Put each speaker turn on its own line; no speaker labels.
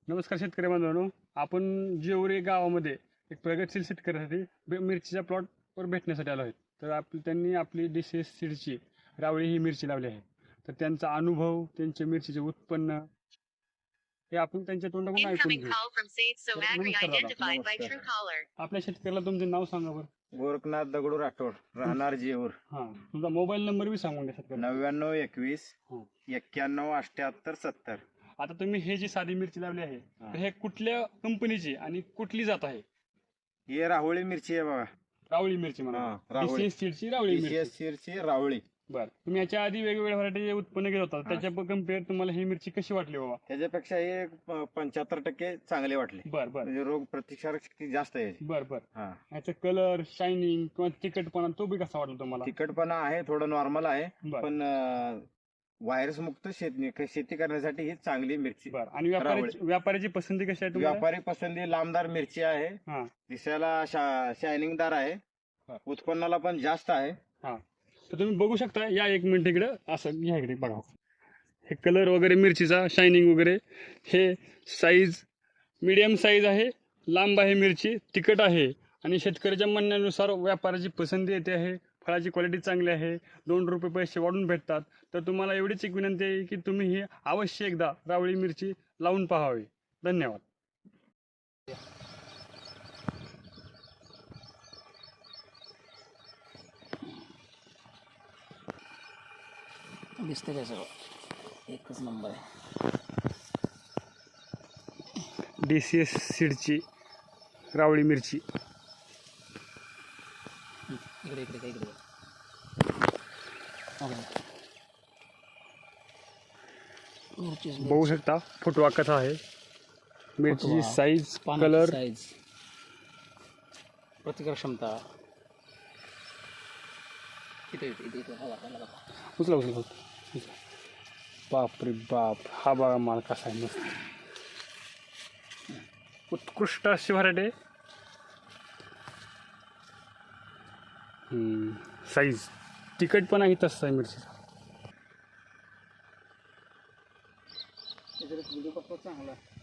नमस्कार शेतकरी बांधवांनो, आपण जेवरी गावामध्ये एक प्रगतशील शेतकऱ्यासाठी मिरचीच्या प्लॉटवर भेटण्यासाठी आलो आहेत. तर त्यांनी आपली DCS सीडची रावळी ही मिरची लावली आहे. तर त्यांचा अनुभव, त्यांचे मिरचीचे उत्पन्न हे आपण त्यांच्या तोंडाकडून ऐकून घेऊ. नमस्कार दादा.
नमस्कार.
आपल्या शेतकऱ्याला तुमचे नाव सांगा बरं.
गोरखनाथ दगडू राठोड, राहणार जेऊर.
हां, तुमचा मोबाईल नंबर बी सांगून द्या शेतकऱ्याला.
99 21
हां.
91 78 70.
आता तुम्ही हे जी साधी मिरची लावली आहे, तर हे कुठल्या कंपनीची आणि कुठली जात आहे?
ही राहुळी मिरची आहे बघा.
रावळी मिरची म्हणा.
हां, राहुळी.
DCS सीडची रावळी मिरची.
DCS सीडची राहुळी.
बर, तुम्ही याच्या आधी वेगवेगळ्या व्हरायटी उत्पन्न घेत होता, त्याच्या कम्पेअर तुम्हाला ही मिरची कशी वाटली बाबा?
त्याच्यापेक्षा हे 75% चांगले वाटले.
बर बर
म्हणजे रोग प्रतिकारक शक्ती जास्त आहे.
बर बर
हा,
याचा कलर, शायनिंग किंवा तिखटपणा तो बी कसा वाटला तुम्हाला?
तिखटपणा आहे, थोडं नॉर्मल आहे,
बर
पण व्हायरस मुक्त शेती करण्यासाठी ही चांगली मिरची.
बर आणि व्यापाऱ्याची पसंती कशी आहे तुम्हाला?
व्यापारी पसंती लांबदार मिरची आहे,
हा
दिसायला शायनिंगदार आहे,
हा.
उत्पन्नाला पण जास्त आहे.
हा, तर तुम्ही बघू शकता. या एक मिनिट इकडे, असं घ्या इकडे बघा. हे कलर वगैरे मिरचीचा, शायनिंग वगैरे, हे साईज मीडियम साईज आहे, लांब आहे मिरची, तिखट आहे आणि शेतकऱ्याच्या म्हणण्यानुसार व्यापाराची पसंती येते आहे. फळाची क्वालिटी चांगली आहे, 2 रुपये पैसे वाढून भेटतात. तर तुम्हाला एवढीच एक विनंती आहे की तुम्ही ही अवश्य एकदा रावळी मिरची लावून पाहावी. धन्यवाद.
दिसतं काय सगळं एकच नंबर आहे.
DCS सीडची रावळी मिरची.
इकडे इकडे काय इकडे
बघू शकता, फुटवा कथा आहे. मिरचीची साईज, कलर,
साईज, प्रतिकार क्षमता किती
उचला उचला उचला. बाप रे बाप, हा बघा माल कसा आहे, मस्त उत्कृष्ट अशी व्हरायटी. साईज, तिखटपणा ही तसा आहे मिरचीचा.
व्हिडिओ चांगला